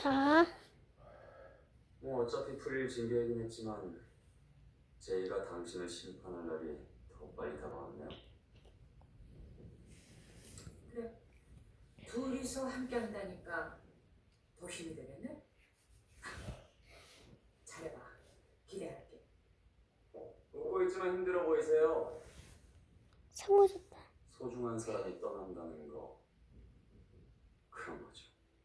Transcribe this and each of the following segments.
자, 뭐 어차피 풀릴 징계이긴 했지만 제이가 당신을 심판할 날이 더 빨리 다가왔네요. 그래, 둘이서 함께 한다니까 더 힘이 되겠네? 잘해봐. 기대할게. 웃고 있지만 힘들어 보이세요. 상호 줬다. 소중한 사람이 떠난다는 거 그런 거죠.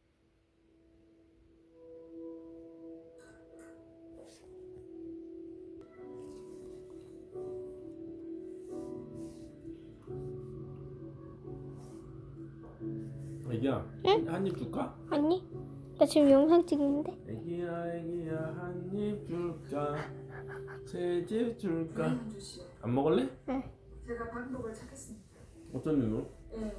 애기야, 응? 한 입 줄까? 아니, 나 지금 영상 찍는데. 애기야, 애기야, 한 입 줄까? 새집 줄까? 한주 씨, 안 먹을래? 제가 방법을 찾겠습니다. 어떤 이유로? 예.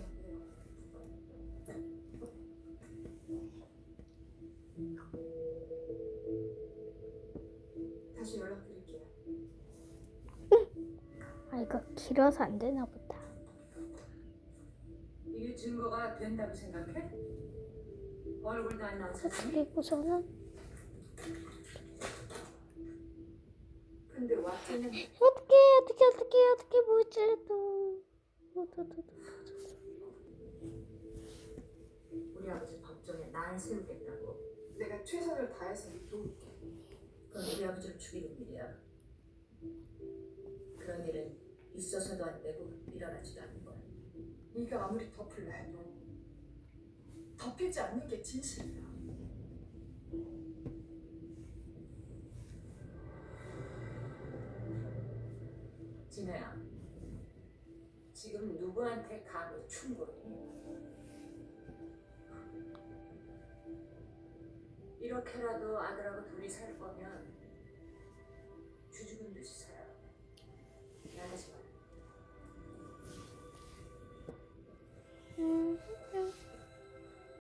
다시 연락드릴게요. 아, 이거 길어서 안 되나 보다. 이게 증거가 된다고 생각해? 얼굴도 안 나온 사람이? 그리고서는 근데 왓슨은 어떻게 뭐지도. 우리 아버지 법정에 날 세우겠다고. 내가 최선을 다해서 도울게. 그건 우리 아버지를 죽이는 일이야. 그런 일은 있어서도 안 되고 일어나지도 않는 거야. 네가 아무리 덮으려 해도 덮이지 않는 게 진실이야. 진혜야, 지금 누구한테 감히 충고를? 이렇게라도 아들하고 둘이 살 거면 쥐죽은 듯이 살아. 나가지 마.